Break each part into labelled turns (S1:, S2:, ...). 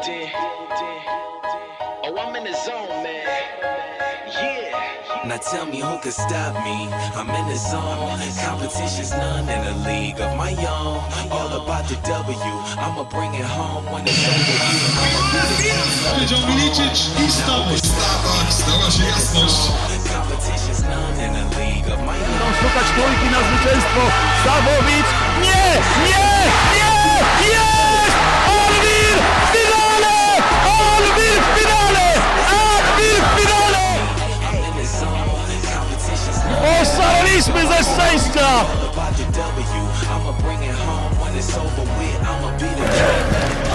S1: building. Oh, I'm in the zone, man. Yeah.
S2: Now tell me who can stop me. I'm in the zone. Competition's none in a league of my own. All about the W. I'ma bring it home when it's over.
S3: Powiedział Milicic i stało. Stała się jasność.
S2: Competition's none in a league of my own.
S4: Szukać trójki na zwycięstwo. Stawowicz. Nie! Nie! Nie! Jest! Alwir w finale! Alwir w finale! Alwir w finale!
S2: I'm in the zone. Competition's none
S4: Oszaleliśmy ze szczęścia!
S2: about the W. I'ma bring it home when it's over with. I'ma be the king.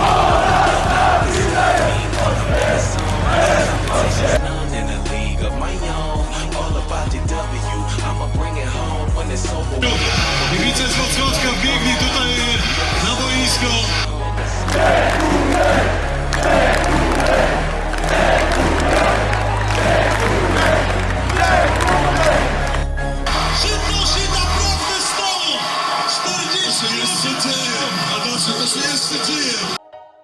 S2: Competition's none in a league of my own. All about the W. I'ma bring it home when it's over with.
S3: Kibice z Wrocławka wbiegli tutaj na boisko. Szybko się naprawdę stało! 40 jeszcze dzieje, a to się jeszcze dzieje.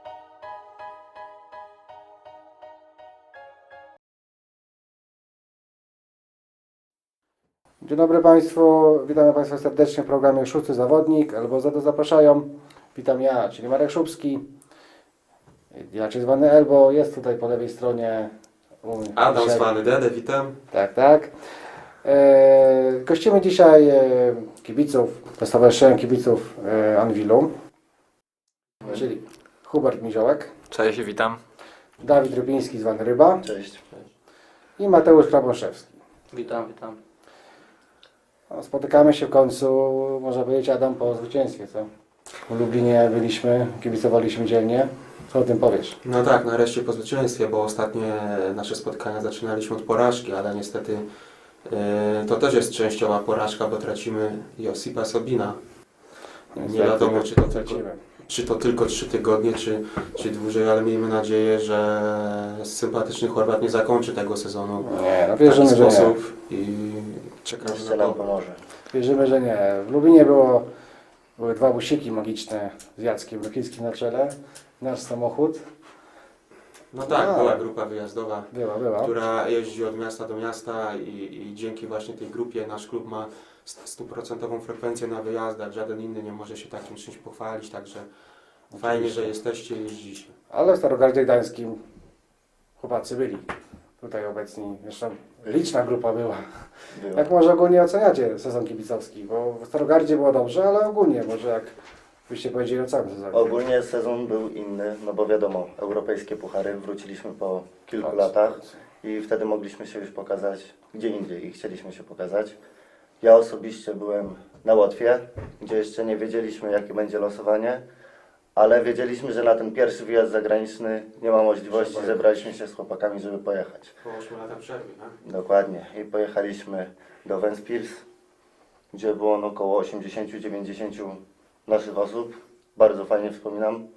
S5: Dzień dobry Państwu, witamy Państwa serdecznie w programie Szósty Zawodnik, albo za to zapraszają. Witam ja, czyli Marek Szubski, inaczej zwany Elbo, jest tutaj po lewej stronie.
S6: Adam
S5: dzisiaj.
S6: zwany Dede, witam.
S5: Tak. Gościmy dzisiaj kibiców, Stowarzyszenia Kibiców Anwilu, czyli Hubert Miziołek,
S7: Cześć, witam.
S5: Dawid Rybiński zwany Ryba.
S8: Cześć.
S5: I Mateusz Krabąszewski.
S8: Witam.
S5: No, spotykamy się w końcu, można powiedzieć, Adam, po zwycięstwie, co? W Lublinie byliśmy, kibicowaliśmy dzielnie. Co o tym powiesz?
S6: No tak, nareszcie po zwycięstwie, bo ostatnie nasze spotkania zaczynaliśmy od porażki, ale niestety to też jest częściowa porażka, bo tracimy Josipa Sobina. Nie wiadomo, czy to tylko 3 tygodnie, czy dłużej, ale miejmy nadzieję, że sympatyczny Chorwat nie zakończy tego sezonu
S5: Nie, no
S6: w taki
S5: wierzymy, że nie.
S6: sposób i czekamy
S8: Jeszcze
S6: na
S8: nam
S6: to.
S8: pomoże.
S5: Wierzymy, że nie. W Lublinie były 2 busiki magiczne z Jackiem Rokickim na czele. Nasz samochód.
S6: No tak,
S5: A.
S6: była grupa wyjazdowa,
S5: Była.
S6: która jeździ od miasta do miasta i dzięki właśnie tej grupie nasz klub ma 100% frekwencję na wyjazdach. Żaden inny nie może się takim czymś pochwalić, także fajnie, że jesteście i jeździcie.
S5: Ale w Starogardzie Gdańskim chłopacy byli tutaj obecni. Zresztą liczna grupa była. Jak może ogólnie oceniacie sezon kibicowski? Bo w Starogardzie było dobrze, ale ogólnie może jak byście powiedzieli o całym sezonie.
S8: Ogólnie sezon był inny, no bo wiadomo, europejskie puchary, wróciliśmy po kilku latach i wtedy mogliśmy się już pokazać gdzie indziej i chcieliśmy się pokazać. Ja osobiście byłem na Łotwie, gdzie jeszcze nie wiedzieliśmy jakie będzie losowanie, ale wiedzieliśmy, że na ten pierwszy wyjazd zagraniczny nie ma możliwości, zebraliśmy się z chłopakami, żeby pojechać.
S6: Po 8 latach przerwy, tak?
S8: Dokładnie. I pojechaliśmy do Ventspils, gdzie było około 80-90 naszych osób. Bardzo fajnie wspominam.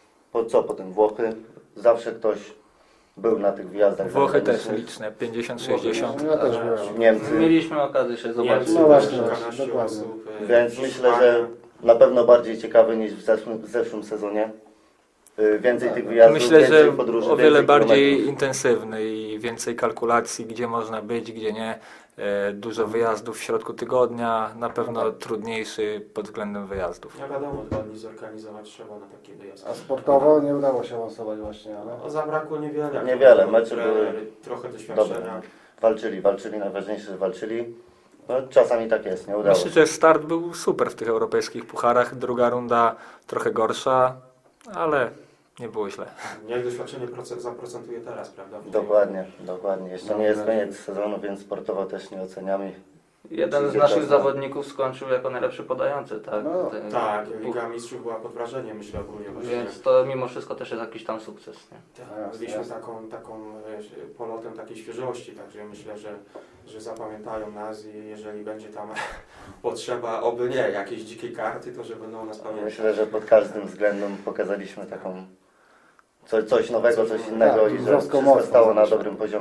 S8: Potem Włochy. Zawsze ktoś był na tych wyjazdach
S7: Włochy też
S8: zagranicznych.
S7: liczne, 50-60.
S5: Ja też byłem.
S8: Niemcy.
S9: Mieliśmy okazję się zobaczyć.
S5: No właśnie,
S6: kilkanaście
S5: dokładnie.
S6: osób,
S8: Więc myślę, że na pewno bardziej ciekawy niż w zeszłym sezonie. Więcej tych wyjazdów,
S7: Myślę,
S8: więcej
S7: że
S8: podróży,
S7: o wiele
S8: więcej
S7: bardziej
S8: kilometrów.
S7: intensywny i więcej kalkulacji, gdzie można być, gdzie nie. Dużo wyjazdów w środku tygodnia, na pewno trudniejszy pod względem wyjazdów.
S6: Nie wiadomo, 2 dni zorganizować trzeba na taki wyjazd.
S5: A sportowo nie udało się awansować właśnie, ale...
S6: No, zabrakło niewiele.
S8: Niewiele, mecze
S6: Trener,
S8: były
S6: trochę doświadczenia.
S8: dobre. Walczyli, najważniejsze, że walczyli. No, czasami tak jest, nie udało
S7: Myślę,
S8: się.
S7: że start był super w tych europejskich pucharach. Druga runda trochę gorsza, ale nie było źle.
S6: Niech doświadczenie zaprocentuje teraz, prawda?
S8: Dokładnie. Jeszcze nie jest koniec sezonu, więc sportowo też nie oceniamy.
S9: Jeden z naszych zawodników skończył jako najlepszy podający, tak?
S5: No,
S6: Tak, Liga Mistrzów była pod wrażeniem, myślę ogólnie. Właśnie.
S9: Więc to mimo wszystko też jest jakiś tam sukces, nie?
S6: Tak, byliśmy taką polotem takiej świeżości, także myślę, że zapamiętają nas i jeżeli będzie tam potrzeba, oby nie, jakiejś dzikiej karty, to że będą nas pamiętać.
S8: Myślę, że pod każdym względem pokazaliśmy taką coś nowego, coś innego
S5: Tak,
S8: i że
S5: wzrosną
S8: wszystko
S5: mocno,
S8: stało na
S5: znaczy.
S8: dobrym poziomie.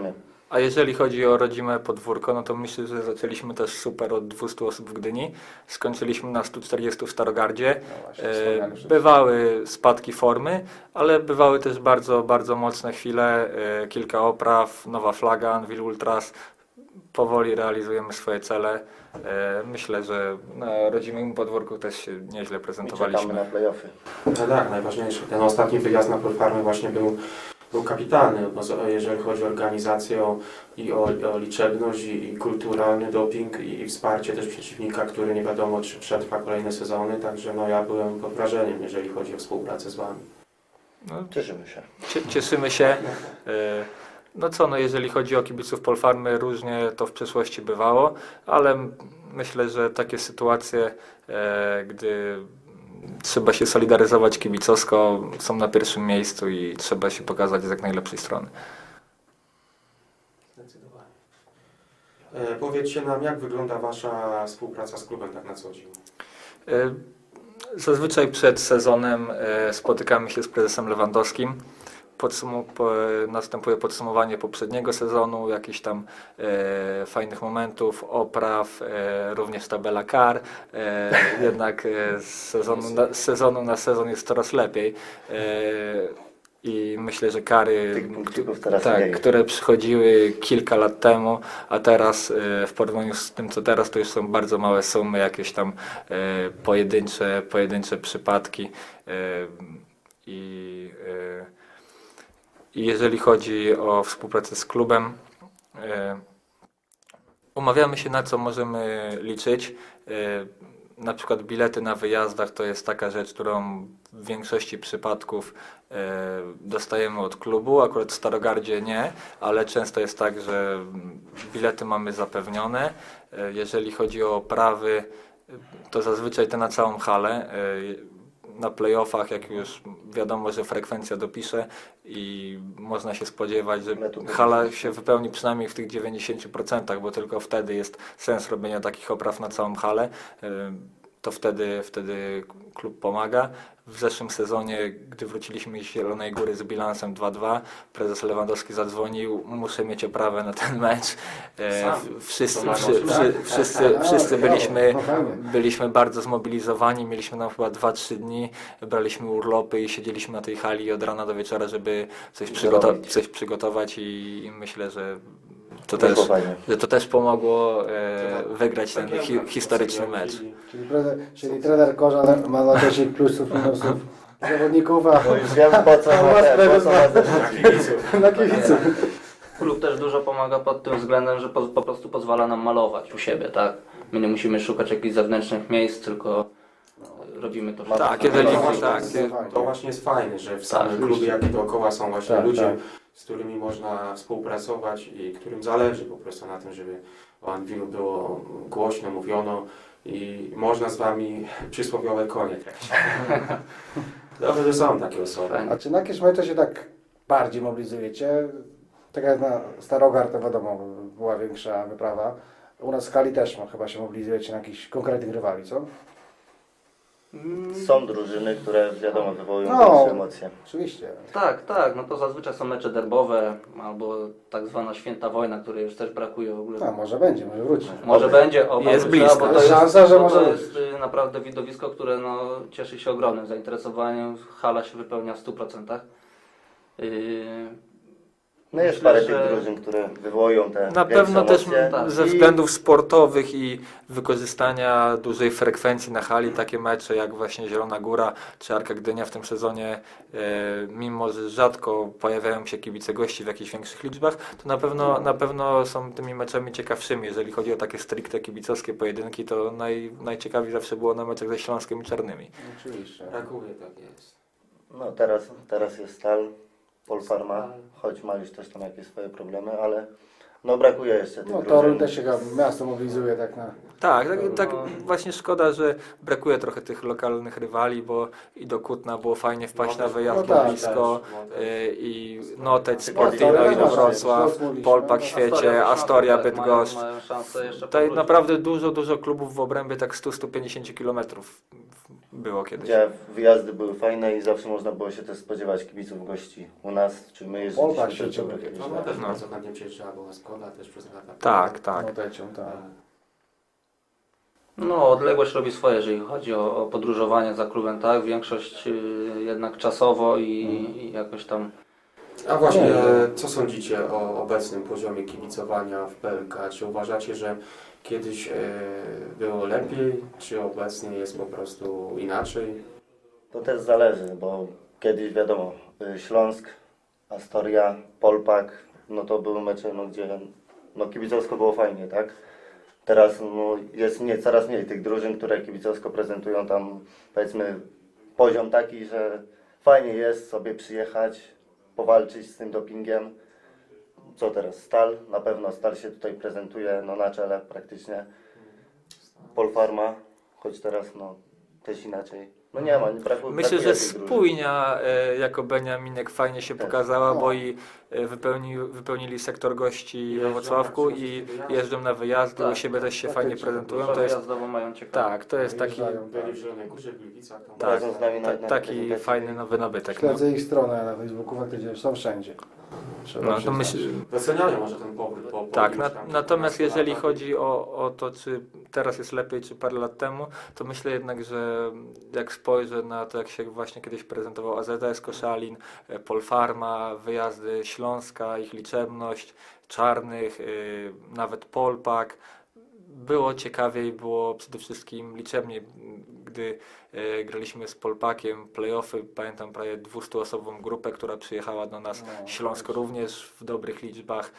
S7: A jeżeli chodzi o rodzime podwórko, no to myślę, że zaczęliśmy też super od 200 osób w Gdyni. Skończyliśmy na 140 w Starogardzie. Bywały spadki formy, ale bywały też bardzo, bardzo mocne chwile. Kilka opraw, nowa flaga, Anvil Ultras. Powoli realizujemy swoje cele. Myślę, że na rodzimym podwórku też się nieźle
S8: I czekamy
S7: prezentowaliśmy.
S8: na play-offy.
S6: No tak, najważniejsze. Ten ostatni wyjazd na Polfarmy właśnie był kapitalny, bo jeżeli chodzi o organizację i o liczebność i kulturalny doping i wsparcie też przeciwnika, który nie wiadomo czy przetrwa kolejne sezony, także no ja byłem pod wrażeniem, jeżeli chodzi o współpracę z Wami.
S8: Cieszymy się.
S7: Cieszymy się. No co, no jeżeli chodzi o kibiców Polfarmy, różnie to w przeszłości bywało, ale myślę, że takie sytuacje, gdy trzeba się solidaryzować kibicowsko, są na pierwszym miejscu i trzeba się pokazać z jak najlepszej strony.
S6: Zdecydowanie. Powiedzcie nam, jak wygląda Wasza współpraca z klubem tak na co dzień?
S7: Zazwyczaj przed sezonem spotykamy się z prezesem Lewandowskim. Następuje podsumowanie poprzedniego sezonu, jakichś tam fajnych momentów, opraw, również tabela kar. Jednak z sezonu na sezon jest coraz lepiej. I myślę, że kary,
S8: Tych punkcików teraz mniej.
S7: które przychodziły kilka lat temu, a teraz w porównaniu z tym, co teraz, to już są bardzo małe sumy, jakieś tam pojedyncze przypadki. I jeżeli chodzi o współpracę z klubem, umawiamy się, na co możemy liczyć. Na przykład bilety na wyjazdach to jest taka rzecz, którą w większości przypadków dostajemy od klubu. Akurat w Starogardzie nie, ale często jest tak, że bilety mamy zapewnione. Jeżeli chodzi o oprawy, to zazwyczaj te na całą halę. Na play-offach, jak już wiadomo, że frekwencja dopisze i można się spodziewać, że hala się wypełni przynajmniej w tych 90%, bo tylko wtedy jest sens robienia takich opraw na całą halę, to wtedy klub pomaga. W zeszłym sezonie, gdy wróciliśmy z Zielonej Góry z bilansem 2-2, prezes Lewandowski zadzwonił, muszę mieć oprawę na ten mecz. Wszyscy byliśmy bardzo zmobilizowani, mieliśmy nam chyba 2-3 dni, braliśmy urlopy i siedzieliśmy na tej hali od rana do wieczora, żeby coś przygotować i myślę, że to też pomogło wygrać ten historyczny mecz.
S5: Czyli trener Korzan ma na 10 plusów, minusów zawodników, a
S8: Bo już wiem po co
S5: na kibiców.
S9: Klub też dużo pomaga pod tym względem, że po prostu pozwala nam malować u siebie, tak? My nie musimy szukać jakichś zewnętrznych miejsc, tylko robimy to.
S7: Tak,
S6: To właśnie jest fajne, że w samym klubie, jak i dookoła są właśnie ludzie, z którymi można współpracować i którym zależy po prostu na tym, żeby o Anvilu było głośno, mówiono i można z Wami przysłowiowe konie tracić. Dobrze, że są takie osoby.
S5: A czy na jakieś mecze się tak bardziej mobilizujecie? Tak jak na Starogard, to wiadomo, była większa wyprawa. U nas w Kali też chyba się mobilizujecie na jakichś konkretnych rywali, co?
S8: Są drużyny, które wiadomo wywołują
S5: No.
S8: większe emocje.
S5: Oczywiście.
S9: Tak, no to zazwyczaj są mecze derbowe albo tak zwana święta wojna, której już też brakuje w ogóle.
S5: A może będzie, może wróci.
S9: Może będzie,
S7: Jest
S9: wróci,
S7: blisko.
S9: bo to
S5: Szansa, że
S9: bo
S5: może
S9: to jest naprawdę widowisko, które no, cieszy się ogromnym zainteresowaniem. Hala się wypełnia w 100%.
S8: No jest
S9: Myślę,
S8: parę
S9: że-
S8: tych drużyn, które wywołują te
S7: Na
S8: większe
S7: pewno też
S8: emocje.
S7: ze względów sportowych i wykorzystania dużej frekwencji na hali, takie mecze jak właśnie Zielona Góra czy Arka Gdynia w tym sezonie, mimo że rzadko pojawiają się kibice gości w jakichś większych liczbach, to na pewno są tymi meczami ciekawszymi. Jeżeli chodzi o takie stricte kibicowskie pojedynki, to najciekawiej zawsze było na meczach ze Śląskiem i Czarnymi.
S5: Oczywiście.
S6: Brakuje, tak jest.
S8: No teraz jest Stal, Polfarma, choć ma już też tam jakieś swoje problemy, ale no brakuje jeszcze tych
S5: No
S8: drużyn.
S5: Toruń też się chyba miasto mobilizuje tak na...
S7: Tak właśnie szkoda, że brakuje trochę tych lokalnych rywali, bo i do Kutna było fajnie wpaść na wyjazd
S5: No tak,
S7: blisko, i Noteć,
S8: Sportino
S7: Sportino i
S5: no,
S7: Wrocław, Polpak w świecie, Astoria, Bydgoszcz.
S9: Mają szansę jeszcze
S7: Tutaj
S9: powrócić.
S7: naprawdę dużo klubów w obrębie tak 100-150 km było kiedyś.
S8: Gdzie wyjazdy były fajne i zawsze można było się też spodziewać kibiców, gości u nas, czy my
S5: Polpak
S8: jeździliśmy
S5: się
S8: też do
S5: ciągle
S8: kiedyś.
S6: No też
S7: No.
S6: bardzo chętnie przyjeżdżała, była Skoda też przez lata.
S7: Tak.
S5: Motecią, tak.
S9: No, odległość robi swoje, jeżeli chodzi o podróżowanie za klubem, tak? Większość jednak czasowo i jakoś tam.
S6: A właśnie, co sądzicie o obecnym poziomie kibicowania w PLK? Czy uważacie, że kiedyś było lepiej, czy obecnie jest po prostu inaczej?
S8: To też zależy, bo kiedyś wiadomo, Śląsk, Astoria, Polpak, no to były mecze, no, gdzie no, kibicowsko było fajnie, tak? Teraz no, jest coraz mniej tych drużyn, które kibicowsko prezentują tam, powiedzmy, poziom taki, że fajnie jest sobie przyjechać, powalczyć z tym dopingiem. Co teraz? Stal? Na pewno Stal się tutaj prezentuje no, na czele praktycznie. Polfarma, choć teraz no, też inaczej. No nie ma, nie brakuje.
S7: Myślę, że
S8: tych drużyn.
S7: spójnia jako Beniaminek fajnie się
S8: Też.
S7: pokazała,
S5: No.
S7: bo i wypełnili sektor gości we Wrocławku i jeżdżą na wyjazdy, u siebie też się fajnie prezentują. To jest,
S9: Wyjazdowo mają ciekawe.
S7: tak, to jest taki,
S5: Wyjeżdżają,
S6: Byli w Zielonej Górze, w Gliwicach. Tam
S7: tak,
S8: Razem z nami na
S7: taki
S8: prezentacji.
S7: fajny nowy nabytek. No.
S5: Śledzę ich stronę na Facebooku, faktycznie są wszędzie. Trzeba
S7: No, to
S5: przyznać.
S7: myślę,
S6: Doceniają może ten powrót po
S7: tak,
S6: iluś tam
S7: natomiast
S6: kilkunastu
S7: jeżeli
S6: latach.
S7: chodzi o to, czy teraz jest lepiej, czy parę lat temu, to myślę jednak, że jak spojrzę na to, jak się właśnie kiedyś prezentował AZS Koszalin, Polfarma, wyjazdy Śląska, ich liczebność, Czarnych, nawet Polpak, było ciekawiej, było przede wszystkim liczebniej, gdy graliśmy z Polpakiem, play-offy, pamiętam prawie 200-osobową grupę, która przyjechała do nas, Śląsko również w dobrych liczbach.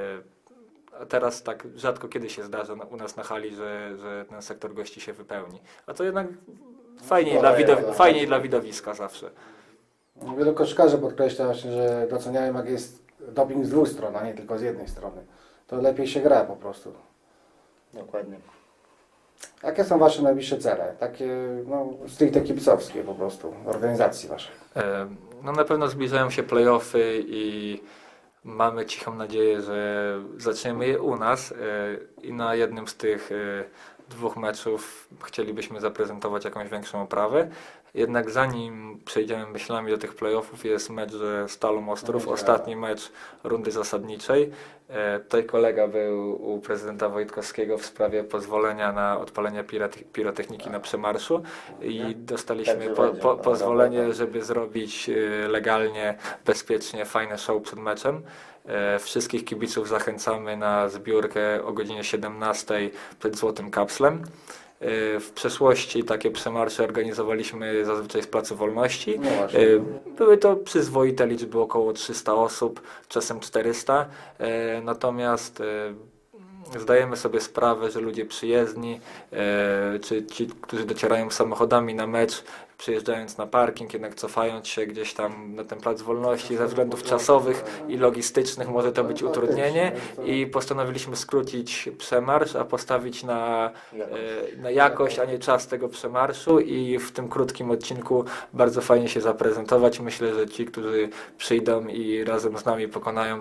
S7: A teraz tak rzadko kiedy się zdarza u nas na hali, że ten sektor gości się wypełni. A to jednak fajniej, fajniej dla widowiska zawsze.
S5: Wielu koszykarzy podkreśla właśnie, że doceniają, jak jest doping z dwóch stron, a nie tylko z jednej strony. To lepiej się gra po prostu.
S8: Dokładnie.
S5: Jakie są Wasze najbliższe cele? Takie no, stricte kibicowskie po prostu, organizacji Waszej.
S7: No na pewno zbliżają się play-offy i mamy cichą nadzieję, że zaczniemy je u nas i na jednym z tych dwóch meczów chcielibyśmy zaprezentować jakąś większą oprawę. Jednak zanim przejdziemy myślami do tych playoffów, jest mecz ze Stalą Ostrów, ostatni mecz rundy zasadniczej. Tutaj kolega był u prezydenta Wojtkowskiego w sprawie pozwolenia na odpalenie pirotechniki na przemarszu i dostaliśmy pozwolenie, żeby zrobić legalnie, bezpiecznie, fajne show przed meczem. Wszystkich kibiców zachęcamy na zbiórkę o godzinie 17 przed Złotym Kapslem. W przeszłości takie przemarsze organizowaliśmy zazwyczaj z Placu Wolności.
S5: No właśnie.
S7: Były to przyzwoite liczby, około 300 osób, czasem 400. Natomiast zdajemy sobie sprawę, że ludzie przyjezdni, czy ci, którzy docierają samochodami na mecz, przyjeżdżając na parking, jednak cofając się gdzieś tam na ten Plac Wolności ze względów czasowych i logistycznych może to być utrudnienie i postanowiliśmy skrócić przemarsz, a postawić na jakość, a nie czas tego przemarszu i w tym krótkim odcinku bardzo fajnie się zaprezentować. Myślę, że ci, którzy przyjdą i razem z nami pokonają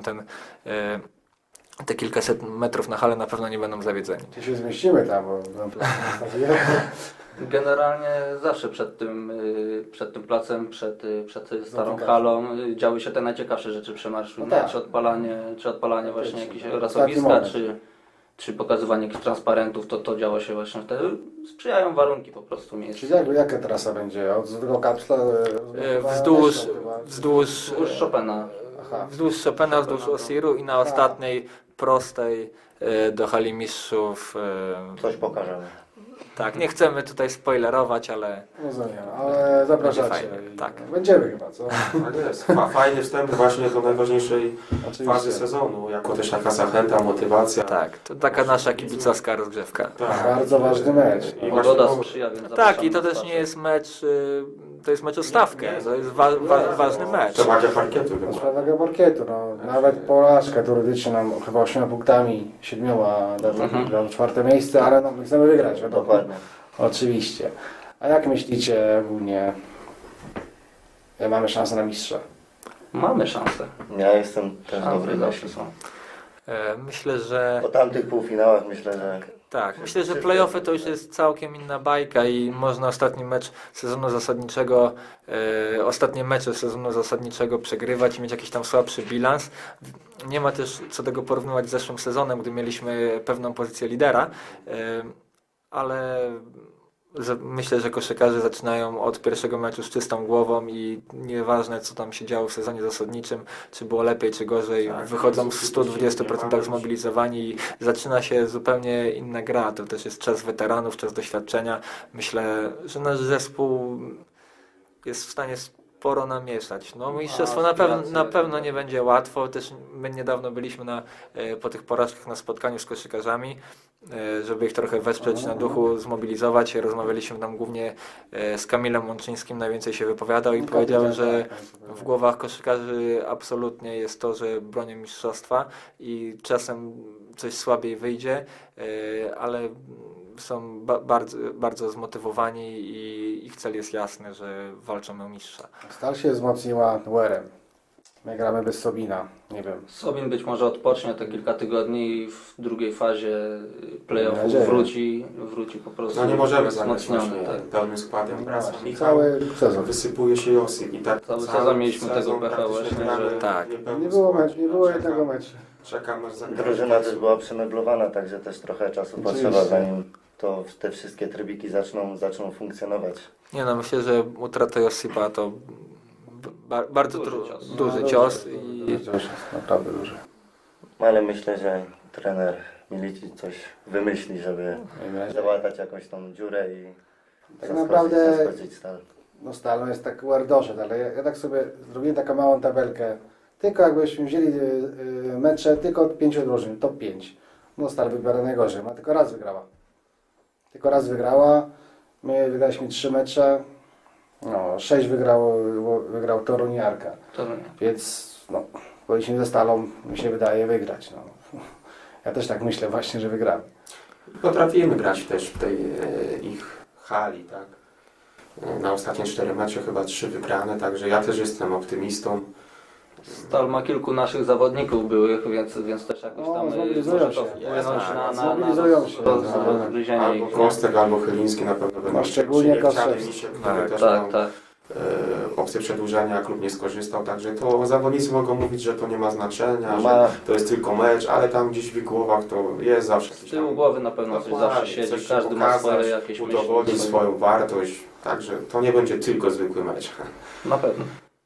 S7: te kilkaset metrów na halę, na pewno nie będą zawiedzeni.
S5: Czy się zmieścimy tam, bo
S9: Generalnie zawsze przed tym placem, przed starą halą działy się te najciekawsze rzeczy przemarszu.
S5: No
S9: nie?
S5: tak.
S9: Czy odpalanie właśnie jakichś
S5: Taki
S9: rasowiska,
S5: moment.
S9: czy pokazywanie jakichś transparentów, to działo się właśnie wtedy. Sprzyjają warunki po prostu miejsc.
S5: Czyli jaka trasa będzie? Od Złotego Kapsla?
S7: Wzdłuż
S5: Chopina,
S7: wzdłuż Osiru i na ostatniej prostej do hali mistrzów.
S8: Coś pokażemy.
S7: Tak, nie chcemy tutaj spoilerować, ale
S5: Rozumiem, ale zapraszacie.
S7: Będzie fajnie,
S5: I
S7: tak.
S5: Będziemy chyba, co?
S6: Tak jest. Fajny wstęp właśnie do najważniejszej
S5: Oczywiście.
S6: fazy sezonu, jako też taka zachęta, motywacja.
S7: tak, to taka nasza kibicowska rozgrzewka.
S6: Tak.
S5: Bardzo ważny mecz.
S6: I
S9: Pogoda
S6: właśnie-
S9: sprzyja, więc
S7: Tak,
S9: zapraszamy
S7: i to
S9: na
S7: też
S9: spacer.
S7: nie jest mecz, to jest mecz o stawkę, to jest ważny mecz.
S6: Przewaga parkietu
S5: To
S6: chyba.
S5: sprawia parkietu, no. Nawet porażka teoretycznie nam chyba 8 punktami, 7 do 4 miejsce, ale no, my chcemy wygrać, wiadomo.
S8: Dokładnie.
S5: Oczywiście. A jak myślicie ogólnie, mamy szansę na mistrza?
S9: Mamy szansę.
S8: Ja jestem też dobry
S9: Szanse
S8: na
S9: zawsze są.
S7: Myślę, że
S8: Po tamtych półfinałach myślę, że
S7: Tak, myślę, że play-offy to już jest całkiem inna bajka i można ostatni mecz sezonu zasadniczego, ostatnie mecze sezonu zasadniczego przegrywać i mieć jakiś tam słabszy bilans. Nie ma też co tego porównywać z zeszłym sezonem, gdy mieliśmy pewną pozycję lidera, ale myślę, że koszykarze zaczynają od pierwszego meczu z czystą głową i nieważne co tam się działo w sezonie zasadniczym, czy było lepiej, czy gorzej, wychodzą w 120% zmobilizowani i zaczyna się zupełnie inna gra. To też jest czas weteranów, czas doświadczenia. Myślę, że nasz zespół jest w stanie sporo namieszać. No, mistrzostwo na pewno nie będzie łatwo. Też my niedawno byliśmy po tych porażkach na spotkaniu z koszykarzami, żeby ich trochę wesprzeć na duchu, zmobilizować. Rozmawialiśmy tam głównie z Kamilem Łączyńskim, najwięcej się wypowiadał i powiedział, że w głowach koszykarzy absolutnie jest to, że bronią mistrzostwa i czasem coś słabiej wyjdzie, ale są bardzo, bardzo zmotywowani i ich cel jest jasny, że walczą o mistrza.
S5: Stal się wzmocniła Werem. My gramy bez Sobina, nie wiem.
S9: Sobin być może odpocznie te kilka tygodni i w drugiej fazie playoffów
S5: nadzieję.
S9: wróci po prostu
S6: No nie możemy zagrać
S9: wzmocniony.
S6: właśnie
S9: Tak.
S6: pełnym składem. Wraca Michał,
S5: Cały sezon.
S6: wysypuje się Josip i tak
S9: Cały sezon mieliśmy tego pecha
S6: praktycznie
S9: właśnie,
S6: gramy
S9: że-
S7: Tak.
S6: niepełny
S5: Nie było,
S6: skład.
S5: nie było
S6: Czekam-
S5: jednego meczu.
S6: Czekam aż zagra.
S8: Drużyna też była przemeblowana, także też trochę czasu
S5: Oczywiście.
S8: potrzeba, zanim te wszystkie trybiki zaczną funkcjonować.
S7: Nie no, myślę, że utrata Josipa to bardzo duży cios i
S5: Duży cios, naprawdę duży.
S8: Ale myślę, że trener Milici coś wymyśli, żeby
S5: Miejmy nadzieję.
S8: załatać jakąś tą dziurę i
S5: Tak naprawdę
S8: zaskoczyć Stal.
S5: no Stal no jest tak doszedł, ale ja tak sobie zrobiłem taką małą tabelkę. Tylko jakbyśmy wzięli mecze tylko od 5 drużyn, top 5. No Stal wybiera najgorzej, ma tylko raz wygrała. Tylko raz wygrała. My wygraliśmy 3 mecze. No, 6 wygrał Toruń i Arka. Więc no, powinniśmy ze Stalą, mi się wydaje, wygrać. No. Ja też tak myślę właśnie, że wygramy.
S6: Potrafimy grać też w tej ich hali, tak? Na ostatnie 4 mecze chyba 3 wygrane, także ja też jestem optymistą.
S9: Stal ma kilku naszych zawodników byłych, więc też jakoś
S5: No,
S9: tam
S5: zmobilizują
S9: może to
S5: się.
S9: wpłynąć na
S5: Zmobilizują się.
S9: rozgryzienie
S6: Albo
S9: ich.
S6: Kostek, albo Chyliński na pewno będą
S5: szczególnie
S6: chcieli
S5: Kostek.
S6: się, który
S7: Tak,
S6: też
S9: Tak,
S6: miał
S9: tak.
S6: opcję przedłużenia, klub nie skorzystał, także to zawodnicy mogą mówić, że to nie ma znaczenia,
S8: Ma.
S6: że to jest tylko mecz, ale tam gdzieś w ich głowach to jest zawsze
S9: Z
S6: jakiś
S9: tyłu
S6: tam-
S9: głowy na pewno coś
S6: Dokładnie,
S9: zawsze siedzi,
S6: coś
S9: każdy ma
S6: pokazać,
S9: swoje jakieś
S6: udowodnić
S9: myśli.
S6: swoją wartość, także to nie będzie tylko zwykły mecz.
S9: Na pewno.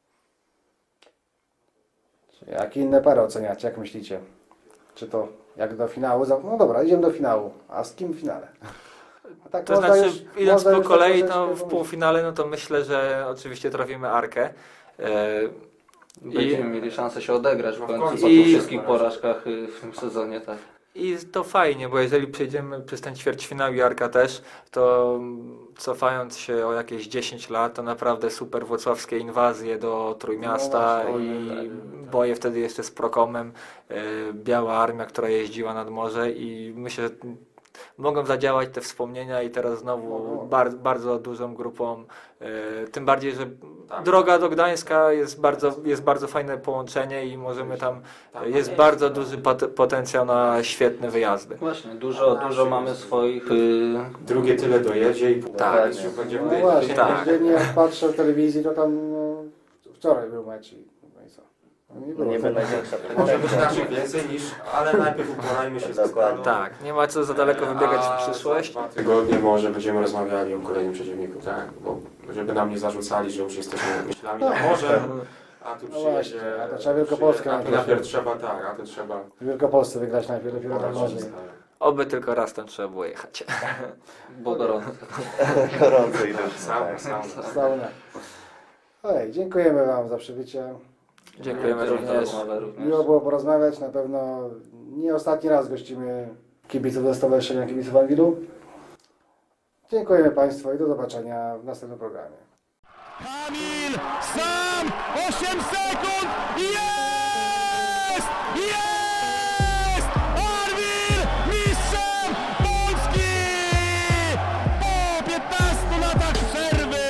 S5: Jak inne pary oceniacie, jak myślicie? Czy to jak do finału? No dobra, idziemy do finału. A z kim w finale? A tak
S7: to
S5: można
S7: znaczy,
S5: już-
S7: idąc
S5: można
S7: po
S5: już
S7: kolei,
S5: tak
S7: to w
S5: troszeczkę
S7: półfinale, no to myślę, że oczywiście trafimy Arkę.
S9: Będziemy mieli szansę się odegrać w
S6: No w
S9: końcu
S6: końcu.
S9: po
S7: I-
S9: tych wszystkich porażkach w tym sezonie, tak.
S7: I to fajnie, bo jeżeli przejdziemy przez ten ćwierćfinał i Arka też, to cofając się o jakieś 10 lat, to naprawdę super włocławskie inwazje do Trójmiasta
S5: No właśnie,
S7: i boje wtedy jeszcze z Prokomem, Biała Armia, która jeździła nad morze i myślę, że mogą zadziałać te wspomnienia i teraz znowu bardzo dużą grupą, tym bardziej, że droga do Gdańska jest bardzo fajne połączenie i możemy tam, jest bardzo duży potencjał na świetne wyjazdy.
S9: Właśnie, dużo mamy swoich...
S6: Drugie tyle dojedzie i
S8: Tak.
S6: już będzie
S5: No właśnie,
S7: Tak.
S5: codziennie jak patrzę w telewizji, to tam no, wczoraj był mecz i no i co? No nie było.
S8: Niby największa
S6: Może być
S8: pretensja.
S6: naszych więcej niż, ale najpierw uporajmy się z Stalą.
S7: Tak, nie ma co za daleko wybiegać w przyszłość.
S6: Za 2 tygodnie może będziemy rozmawiali o kolejnym przeciwniku, tak? Bo żeby nam nie zarzucali, że już jesteśmy myślami na morze, a tu
S5: No właśnie,
S6: przyjedzie...
S5: a to trzeba Wielkopolskę
S6: a tu najpierw trzeba, tak, a to trzeba...
S5: W Wielkopolsce wygrać najpierw, dopiero tam
S6: poradzić
S5: może.
S6: z Stalą.
S7: Oby tylko raz tam trzeba było jechać.
S9: Bo gorąco.
S8: Gorąco i duszno.
S6: Sauna,
S8: Tak.
S6: sauna.
S5: Sauna. Oj, dziękujemy Wam za przybycie.
S7: Dziękujemy również.
S5: Miło było porozmawiać. Na pewno nie ostatni raz gościmy kibiców ze Stowarzyszenia Kibiców Anwilu. Dziękujemy Państwu i do zobaczenia w następnym programie.
S4: Kamil sam 8 sekund jest! Jest! Arwil mistrzem Polski! Po 15 latach przerwy!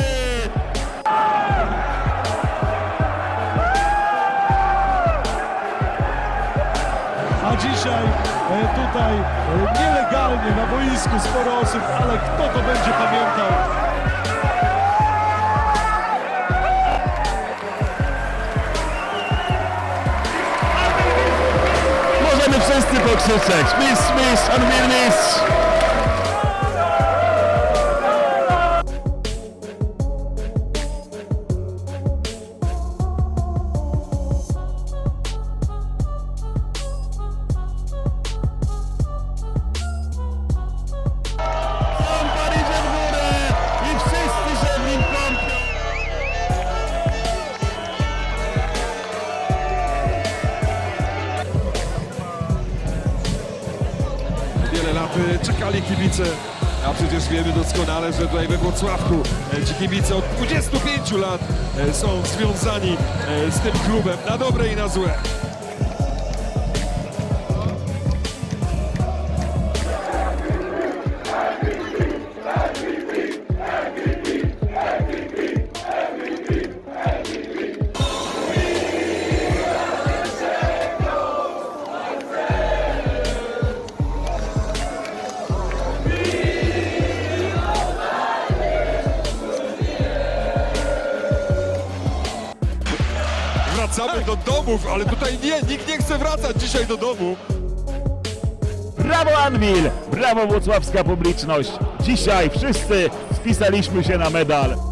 S3: A dzisiaj
S10: tutaj nielegalnie na boisku, sporo osób, ale kto to będzie pamiętał?
S4: Możemy wszyscy pokrzyczeć. Mistrz, mistrz, Anwil mistrz! Sąpar idzie w górę i wszyscy się w nim kąpią.
S10: Wiele lat czekali kibice, a przecież wiemy doskonale, że tutaj we Włocławku ci kibice od 25 lat są związani z tym klubem na dobre i na złe. Wracamy do domów, ale tutaj nikt nie chce wracać dzisiaj do domu.
S4: Brawo Anwil! Brawo włocławska publiczność! Dzisiaj wszyscy spisaliśmy się na medal.